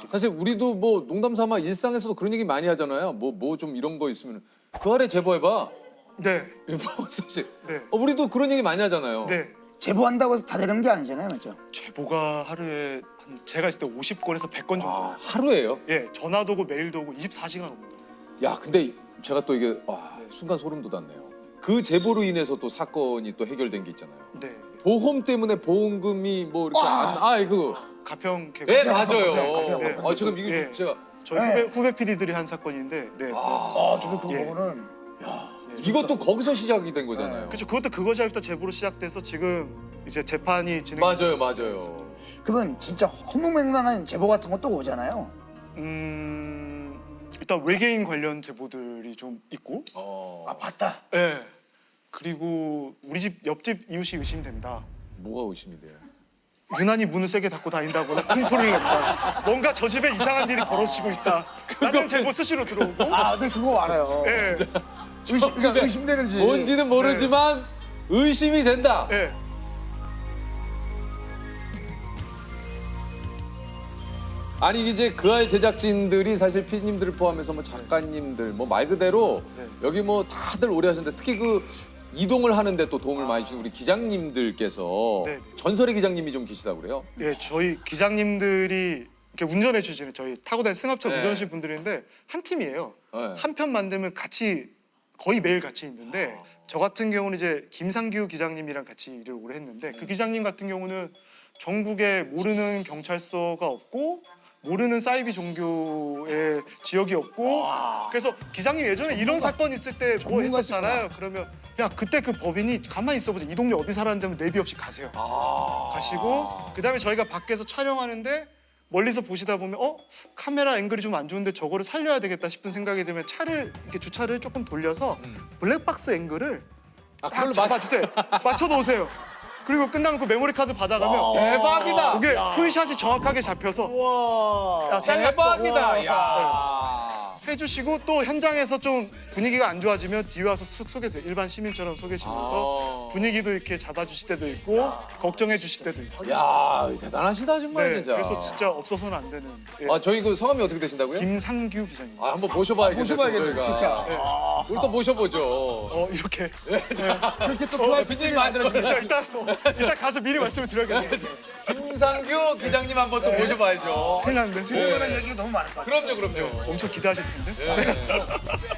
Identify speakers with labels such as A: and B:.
A: 사실 우리도 뭐 농담 삼아 일상에서도 그런 얘기 많이 하잖아요. 뭐 좀 이런 거 있으면 그 아래 제보해봐.
B: 네.
A: 뭐 사실
B: 네.
A: 우리도 그런 얘기 많이 하잖아요.
B: 네.
C: 제보한다고 해서 다 되는 게 아니잖아요, 맞죠?
B: 제보가 하루에 제가 있을 때 50건에서 100건 정도.
A: 아, 하루에요?
B: 예, 전화도 오고 메일도 오고 24시간 옵니다.
A: 야, 근데 제가 또 이게 순간 소름 돋았네요. 그 제보로 인해서 또 사건이 또 해결된 게 있잖아요.
B: 네.
A: 보험 때문에 보험금이 뭐 이렇게 그거.
B: 가평 개구.
A: 네, 맞아요.
B: 네.
A: 지금 이게
B: 예.
A: 제가
B: 저희 후배 PD들이 한 사건인데, 네.
C: 저도 그거
B: 예.
C: 보고는
A: 이것도 거기서 시작이 된 거잖아요.
B: 그렇죠. 그것도 그거 시작부터 제보로 시작돼서 지금 이제 재판이 진행.
A: 맞아요.
C: 그러면 진짜 허무맹랑한 제보 같은 것도 오잖아요.
B: 일단 외계인 관련 제보들이 좀 있고,
C: 아 봤다.
B: 예. 그리고 우리 집 옆집 이웃이 의심된다.
A: 뭐가 의심이 돼요?
B: 유난히 문을 세게 닫고 다닌다거나 큰 소리를 낸다. 뭔가 저 집에 이상한 일이 벌어지고 있다. 라는 제보 수시로 들어오고.
C: 네 그거 알아요.
B: 예.
C: 의심되는지.
A: 뭔지는 모르지만 의심이 된다.
B: 예.
A: 아니 이제 그알 제작진들이 사실 PD님들을 포함해서 뭐 작가님들 뭐 말 그대로
B: 네.
A: 여기 뭐 다들 오래 하셨는데 특히 그 이동을 하는데 또 도움을 많이 주신 우리 기장님들께서
B: 네.
A: 전설의 기장님이 좀 계시다고 그래요?
B: 예, 저희 기장님들이 이렇게 운전해 주시는 저희 타고 다니는 승합차
A: 네.
B: 운전하시는 분들인데 한 팀이에요.
A: 네.
B: 한 편 만들면 같이 거의 매일 같이 있는데 저 같은 경우는 이제 김상규 기장님이랑 같이 일을 오래 했는데 그 기장님 같은 경우는 전국에 모르는 경찰서가 없고 모르는 사이비 종교의 지역이 없고 그래서 기장님 예전에 이런 사건 있을 때 뭐 했었잖아요. 그러면 야 그때 그 법인이 가만히 있어보자. 이 동네 어디 살았는데 내비 없이 가세요. 가시고 그다음에 저희가 밖에서 촬영하는데 멀리서 보시다 보면 카메라 앵글이 좀 안 좋은데 저거를 살려야 되겠다 싶은 생각이 들면 차를 이렇게 주차를 조금 돌려서 블랙박스 앵글을
A: 그걸로
B: 잡아주세요. 맞춰 놓으세요. 그리고 끝나면 그 메모리 카드 받아가면
A: 대박이다.
B: 그게 풀샷이 정확하게 잡혀서 야, 잘렸어.
A: 대박이다. 야.
B: 해주시고 또 현장에서 좀 분위기가 안 좋아지면 뒤에 와서 쓱 소개해서 일반 시민처럼 소개시면서 분위기도 이렇게 잡아주실 때도 있고 걱정해 주실 때도 있고.
A: 야, 대단하시다 정말
B: 네,
A: 진짜.
B: 그래서 진짜 없어서는 안 되는. 예.
A: 저희 그 성함이 어떻게 되시다고요?
B: 김상규 기자님.
A: 한번 모셔봐야겠네요.
C: 모셔봐야겠네, 진짜.
A: 우리 또 모셔보죠.
B: 이렇게.
C: 그렇게 또 그런
A: 피디님 만들어주면
B: 저 일단 가서 미리 말씀을 드려야겠네요.
A: 김상규 기장님 한번 또 모셔봐야죠.
B: 큰일 났는데.
C: 들을 만한 얘기가 너무 많을 것 같아요.
A: 그럼요.
B: 엄청 기대하실 텐데.